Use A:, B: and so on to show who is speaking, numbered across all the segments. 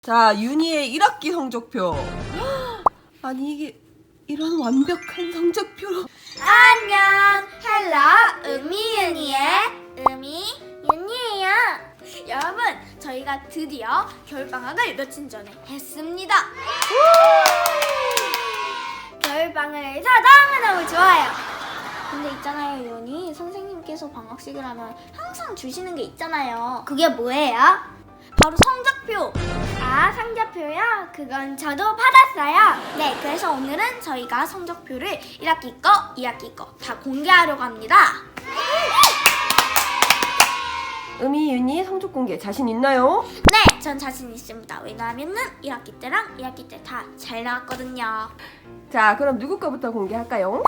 A: 자, 윤희의 1학기 성적표. 아니, 이게 이런 완벽한 성적표.
B: 안녕, 헬로, 은희의 윤희예요. 여러분, 저희가 드디어 겨울방학을 며칠 전에 했습니다. 겨울방학을 해서 너무너무 좋아요. 근데 있잖아요, 윤희 선생님께서 방학식을 하면 항상 주시는 게 있잖아요. 그게 뭐예요? 바로 성적표. 아, 성적표요? 그건 저도 받았어요. 네, 그래서 오늘은 저희가 성적표를 1학기 거, 2학기 거 다 공개하려고 합니다.
A: 은희, 윤희 성적 공개 자신 있나요?
B: 네, 전 자신 있습니다. 왜냐하면은 1학기 때랑 2학기 때 다 잘 나왔거든요.
A: 자, 그럼 누구 거부터 공개할까요?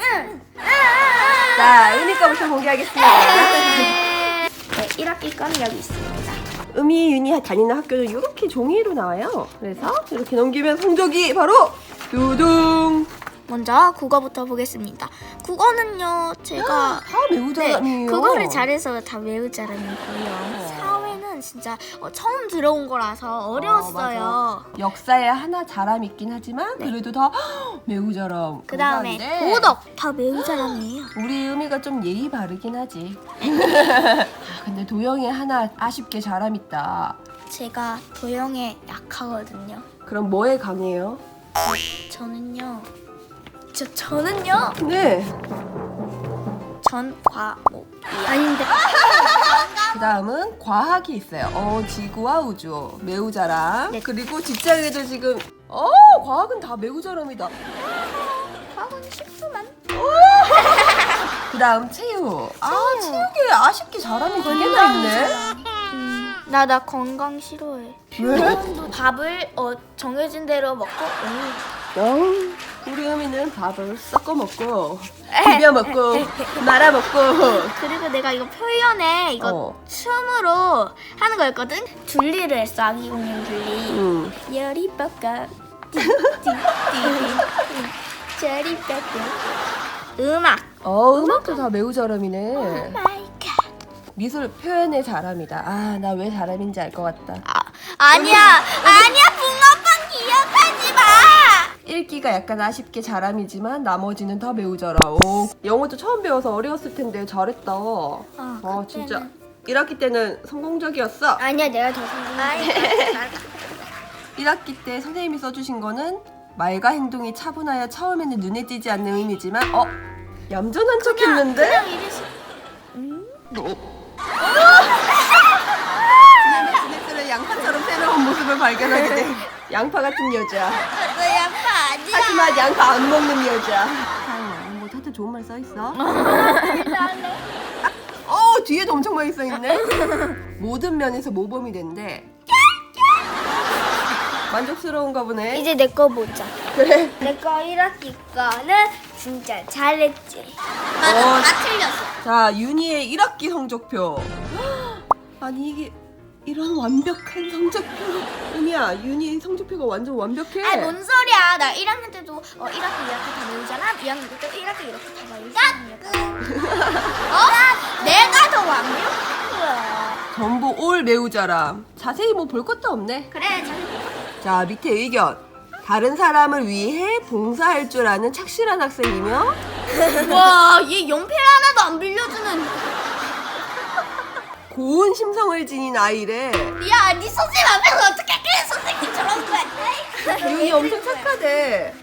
A: 자, 은희 거부터 공개하겠습니다.
B: 네, 1학기 거는 여기 있습니다.
A: 은희, 윤희 다니는 학교는 이렇게 종이로 나와요. 그래서 이렇게 넘기면 성적이 바로 두둥.
B: 먼저 국어부터 보겠습니다. 국어는요, 제가
A: 다 매우 잘하네요.
B: 그거를 잘해서 다 외우 잘하는 거예요. 사회는 진짜 처음 들어온 거라서 어려웠어요.
A: 맞아. 역사에 하나 잘함 있긴 하지만 그래도 다 매우 잘함.
B: 그 다음에
A: 감사한데
B: 도덕 다 매우 잘하네요.
A: 우리 은희가 좀 예의 바르긴 하지. 아, 근데 도영이 하나 아쉽게 잘함 있다.
B: 제가 도형에 약하거든요.
A: 그럼 뭐에 강해요?
B: 저는요. 저는요.
A: 네.
B: 전과목 아닌데.
A: 그 다음은 과학이 있어요. 지구와 우주 매우 잘함.
B: 네.
A: 그리고 직장에도 지금 과학은 다 매우 잘함이다.
B: 과학은 쉽구만.
A: 그 다음 체육. 체육에 아쉽게 잘함이 두 개나 있네.
B: 나 건강 싫어해.
A: 왜?
B: 밥을 정해진 대로 먹고.
A: 우리 은희는 밥을 섞어 먹고 비벼 먹고 말아 먹고.
B: 그리고 내가 이거 표현에 이거 춤으로 하는 거였거든. 둘리를 했어. 아기 공룡 둘리. 열이 뻑까 저리 뻑까. 음악.
A: 음악도 다 매우 잘함이네.
B: 마이 갓.
A: 미술 표현의 잘함이다. 나 왜 잘함인지 알 것 같다.
B: 아니야 붕어빵 기억하지 마.
A: 읽기가 약간 아쉽게 잘함이지만 나머지는 다 매우 잘함. 영어도 처음 배워서 어려웠을 텐데 잘했다. 진짜 1학기 때는 성공적이었어.
B: 아니야, 내가 더 성공해.
A: 1학기 때 선생님이 써주신 거는 말과 행동이 차분하여 처음에는 눈에 띄지 않는 의미지만 얌전한 척 했는데?
B: 그냥 이랬어.
A: 지네들은 양파처럼 새로운 모습을 발견하게 돼. 양파 같은 여자.
B: 너 양파 아니야.
A: 하지만 양파 안 먹는 여자. 뭐 다들 좋은 말 써있어? 뒤에도 엄청 많이 써있네. 모든 면에서 모범이 된대. 만족스러운가 보네.
B: 이제 내 거 보자.
A: 그래.
B: 내 거 1학기 거는 진짜 잘했지. 맞아, 다 틀렸어.
A: 자, 윤희의 1학기 성적표. 아니, 이게 이런 완벽한 성적표. 은희야, 윤희 성적표가 완전 완벽해.
B: 아니, 뭔 소리야. 나 1학년 때도 1학기, 2학기 다 외우잖아. 2학년 때도 1학기 이렇게 다 외우잖아. 내가 더 완벽한 거야.
A: 전부 올 매우 잘함. 자세히 뭐 볼 것도 없네.
B: 그래,
A: 자, 밑에 의견. 다른 사람을 위해 봉사할 줄 아는 착실한 학생이며
B: 와, 얘 연필 하나도 안 빌려주는.
A: 고운 심성을 지닌 아이래.
B: 야, 네 선생님 앞에서 어떻게 그래 선생님처럼 거야?
A: 윤희 엄청 착하대.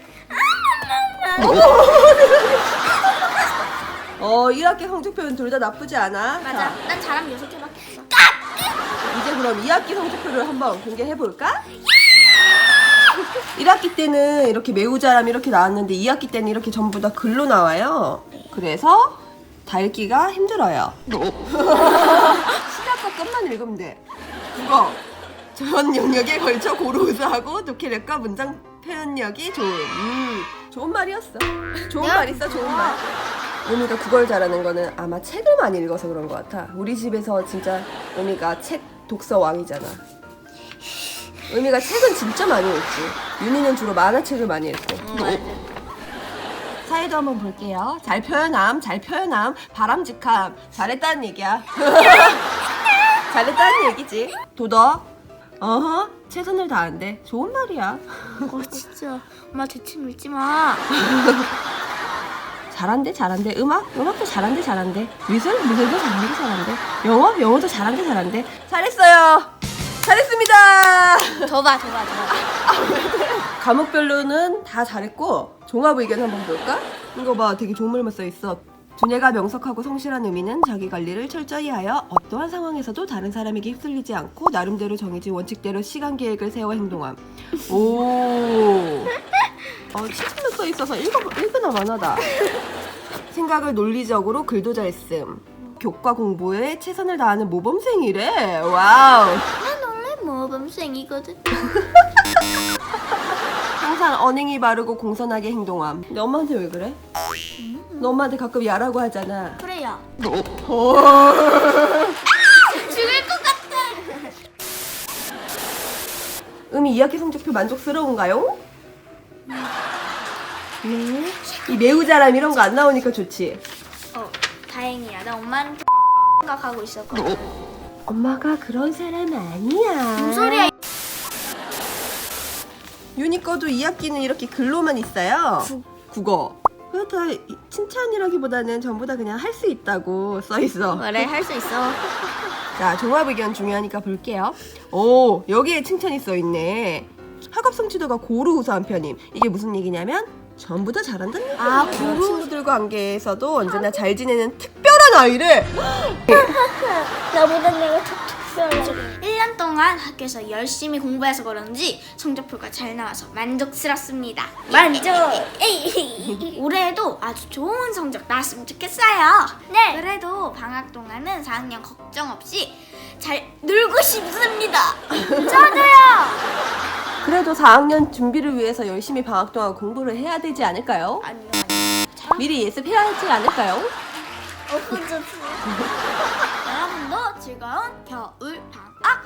A: 1학기 성적표는 둘 다 나쁘지 않아.
B: 맞아,
A: 자,
B: 난 잘하면 6개밖에 없어.
A: 이제 그럼 2학기 성적표를 한번 공개해볼까? 1학기 때는 이렇게 매우 잘함 이렇게 나왔는데 2학기 때는 이렇게 전부 다 글로 나와요. 그래서 다 읽기가 힘들어요. 시작과 끝만 읽으면 돼. 국어. 전 영역에 걸쳐 고루 우수하고 독해력과 문장 표현력이 좋은 말이었어. 좋은 말 있어, 좋은 말. 은희가 국어를 잘하는 거는 아마 책을 많이 읽어서 그런 것 같아. 우리 집에서 진짜 은희가 책 독서 왕이잖아. 은희가 책은 진짜 많이 읽지. 윤희는 주로 만화책을 많이 읽고. 사회도 한번 볼게요. 잘 표현함, 바람직함. 잘했다는 얘기야. 잘했다는 얘기지. 도덕. 어허, 최선을 다한대. 좋은 말이야.
B: 진짜 엄마 대체 밀지 마.
A: 잘한대. 음악도 잘한대. 미술도 잘한대. 영어도 잘한대. 잘했어요. 잘했습니다.
B: 더 봐.
A: 과목별로는 다 잘했고 종합 의견 한번 볼까? 이거 봐, 되게 좋은 말만 써 있어. 두뇌가 명석하고 성실한 의미는 자기 관리를 철저히 하여 어떠한 상황에서도 다른 사람에게 휩쓸리지 않고 나름대로 정해진 원칙대로 시간 계획을 세워 행동함. 오. 치트만 써 있어서 읽으나 마나다. 생각을 논리적으로 글도 잘 쓴. 교과 공부에 최선을 다하는 모범생이래. 와우.
B: 난 원래 모범생이거든.
A: 항상 언행이 바르고 공손하게 행동함. 너 엄마한테 왜 그래? 너 엄마한테 가끔 야라고 하잖아.
B: 그래요.
A: 어.
B: 죽을 것 같아.
A: 음이 2학기 성적표 만족스러운가요? 네. 이 매우 잘함 이런 거 안 나오니까 좋지.
B: 다행이야. 나 엄마한테 생각하고 있었거든.
A: 엄마가 그런 사람 아니야.
B: 무슨 소리야?
A: 유니 거도 2학기는 이렇게 글로만 있어요. 국어. 그거 다 칭찬이라기보다는 전부 다 그냥 할 수 있다고 써 있어.
B: 그래, 할 수 있어.
A: 자, 종합 의견 중요하니까 볼게요. 오, 여기에 칭찬이 써 있네. 학업 성취도가 고루 우수한 편임. 이게 무슨 얘기냐면 전부 다 잘한다는 얘기야.
B: 고루.
A: 친구들과 관계에서도 언제나 잘 지내는 특별한 아이래.
B: 나보다 내가 툭툭 썰어. 1년 동안 학교에서 열심히 공부해서 그런지 성적표가 잘 나와서 만족스럽습니다. 만족! 올해에도 아주 좋은 성적 나왔으면 좋겠어요. 네. 그래도 방학 동안은 4학년 걱정 없이 잘 놀고 싶습니다. 저도요.
A: 그래도 4학년 준비를 위해서 열심히 방학 동안 공부를 해야 되지 않을까요?
B: 아니요.
A: 미리 예습해야 하지 않을까요?
B: 여러분도 즐거운 겨울 방학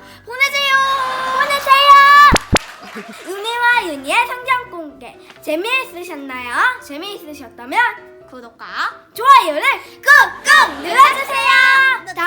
B: 보내세요. 은혜와 윤희의 성장 공개 재미있으셨나요? 재미있으셨다면 구독과 좋아요를 꾹꾹 눌러주세요.